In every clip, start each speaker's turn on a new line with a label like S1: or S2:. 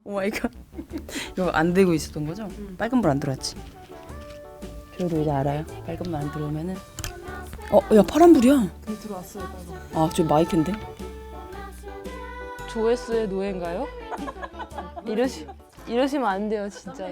S1: 오 마이 갓. 이거 안 되고 있었던 거죠? 빨간 불 안 들어왔지. 저도 이제 알아요. 빨간 불 안 들어오면은 야 파란 불이야.
S2: 근데 들어왔어요, 빨간.
S1: 아 저 마이크인데?
S2: 조회수의 노예인가요? 이러시면 안 돼요, 진짜로.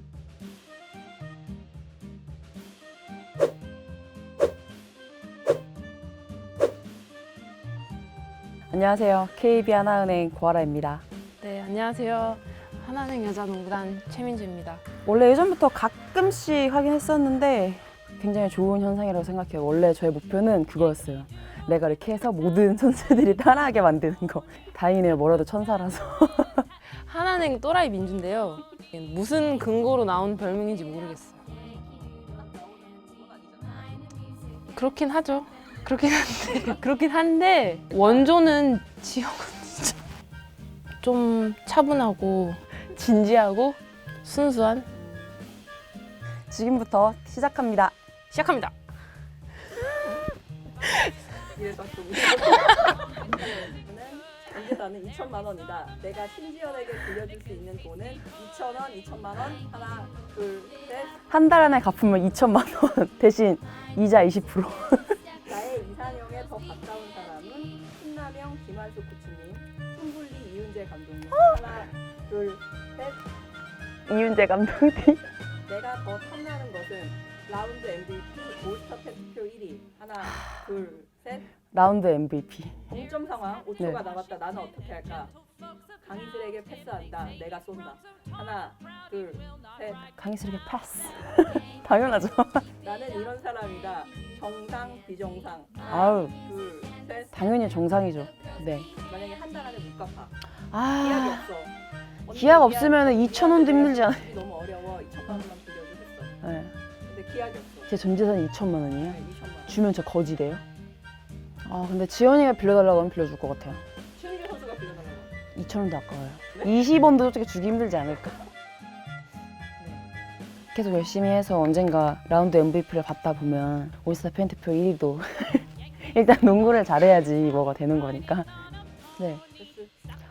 S1: 안녕하세요. KB하나은행 고아라입니다.
S2: 네, 안녕하세요. 하나은행 여자농구단 최민주입니다.
S1: 원래 예전부터 가끔씩 하긴 했었는데 굉장히 좋은 현상이라고 생각해요. 원래 저의 목표는 그거였어요. 내가 이렇게 해서 모든 선수들이 따라하게 만드는 거. 다행이네요. 뭐라도 천사라서.
S2: 하나은행 또라이 민주인데요. 무슨 근거로 나온 별명인지 모르겠어요. 그렇긴 하죠. 그렇긴 한데 원조는 지역은 진짜 좀 차분하고 진지하고 순수한.
S1: 지금부터 시작합니다.
S2: 시작합니다.
S3: 전재산은 2천만 원이다. 내가 신지연에게 빌려줄 수 있는 돈은 2천 원, 2천만 원. 하나, 둘, 셋.
S1: 한 달 안에 갚으면 2천만 원 대신 이자 20%.
S3: 나의 이상형에 더 가까운 사람은 신남영, 김한수 코치님, 손불리, 이윤재 감독님. 하나, 둘, 셋.
S1: 이윤재 감독님.
S3: 내가 더 탐나는 것은 라운드 MVP, 올스타 팬 투표 1위. 하나, 둘, 셋.
S1: 라운드 MVP.
S3: 동점 상황 5초가
S1: 네.
S3: 남았다. 나는 어떻게 할까? 강희슬에게 패스한다. 내가 쏜다. 하나, 둘, 셋.
S1: 강희슬에게 패스. 당연하죠.
S3: 나는 이런 사람이다. 정상, 비정상. 하나,
S1: 아우
S3: 둘, 셋.
S1: 당연히 정상이죠. 네.
S3: 만약에 한 달 안에 못 갚아. 기약이
S1: 아
S3: 없어. 언니
S1: 기약 없으면
S3: 기약
S1: 2,000원도 힘들지 않아요?
S3: 너무 어려워. 2천만 원만 빌려줘 했어.
S1: 네.
S3: 근데 기약이 없어.
S1: 제 전 재산이 2천만 원이에요.
S3: 네, 2천만 원.
S1: 주면 저 거지 돼요? 아 근데 지연이가 빌려달라고 하면 빌려줄 것 같아요.
S3: 최은규 선수가 빌려달라고.
S1: 2,000원도 아까워요. 20원도 솔직히 주기 힘들지 않을까? 계속 열심히 해서 언젠가 라운드 MVP를 받다 보면 올스타 팬투표 1위도 일단 농구를 잘해야지 뭐가 되는 거니까. 네.
S3: 패스.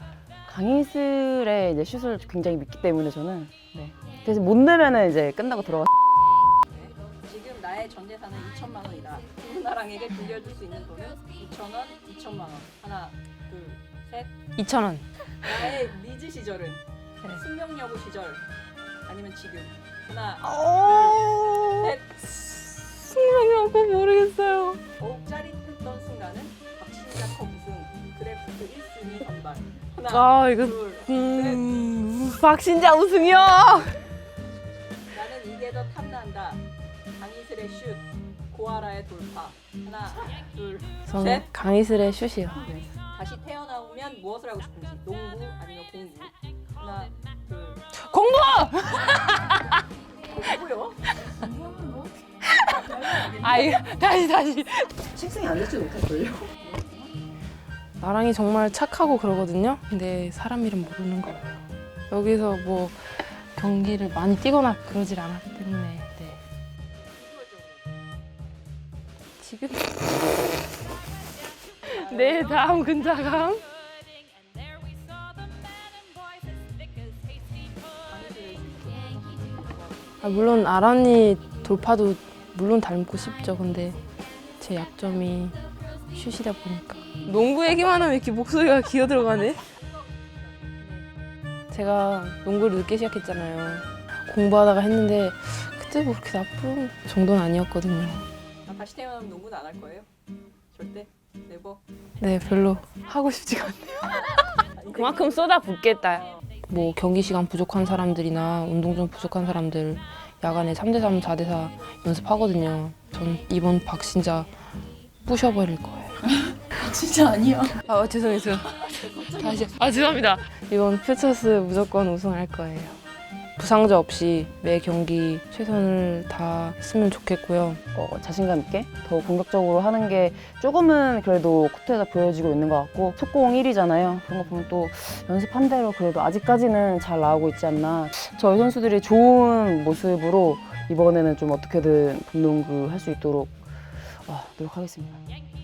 S1: 강희슬의 이제 슛을 굉장히 믿기 때문에 저는 그래서 못 넣으면은 이제 끝나고 들어가.
S3: 지금 나의 전 재산은 2천만 원이다. 김은아랑에게 빌려줄 수 있는 돈은 2천 원, 2천만 원. 하나, 둘, 셋.
S2: 2,000원.
S3: 나의 리즈 시절은
S2: 네.
S3: 승명여고 시절 아니면 지금. 하나,
S2: 오.
S3: 셋.
S2: 생각나고 모르겠어요.
S3: 더욱 짜릿했던 순간은 박신자 컵 우승, 드래프트 1순위 선발. 하나,
S2: 아 이거
S3: 둘, 셋.
S2: 박신자 우승이요.
S3: 나는 이게 더 탐난다. 강희슬의 슛, 고아라의 돌파. 하나, 둘,
S2: 저는
S3: 셋.
S2: 강희슬의 슛이요.
S3: 다시 태어나오면 무엇을 하고 싶은지. 농구 아니면 공부. 하나, 둘.
S2: 공부!
S3: 공부요?
S2: 아 이거 다시.
S1: 식생이 안 될지도 못할걸요?
S2: 나랑이 정말 착하고 그러거든요. 근데 사람 이름 모르는 거예요. 여기서 뭐 경기를 많이 뛰거나 그러질 않았기 때문에. 네. 지금 네 다음 근자감. 물론 아란이 돌파도 물론 닮고 싶죠. 근데 제 약점이 슛이다 보니까. 농구 얘기만 하면 이렇게 목소리가 기어 들어가네. 제가 농구를 늦게 시작했잖아요. 공부하다가 했는데 그때 뭐 그렇게 나쁜 정도는 아니었거든요.
S3: 나 다시 태어나면 농구는 안 할 거예요? 절대? 네버?
S2: 네, 별로 하고 싶지가 않네요. 그만큼 쏟아붓겠다. 뭐 경기 시간 부족한 사람들이나 운동 좀 부족한 사람들 야간에 3대3, 4대4 연습하거든요. 전 이번 박신자 부셔버릴 거예요.
S1: 진짜 아니야.
S2: 아 죄송해요. 다시 죄송합니다. 이번 퓨처스 무조건 우승할 거예요. 부상자 없이 매 경기 최선을 다했으면 좋겠고요.
S1: 자신감 있게 더 공격적으로 하는 게 조금은 그래도 코트에서 보여지고 있는 것 같고 속공 1위잖아요. 그런 거 보면 또 연습한 대로 그래도 아직까지는 잘 나오고 있지 않나. 저희 선수들이 좋은 모습으로 이번에는 좀 어떻게든 봄농구 할 수 있도록 노력하겠습니다.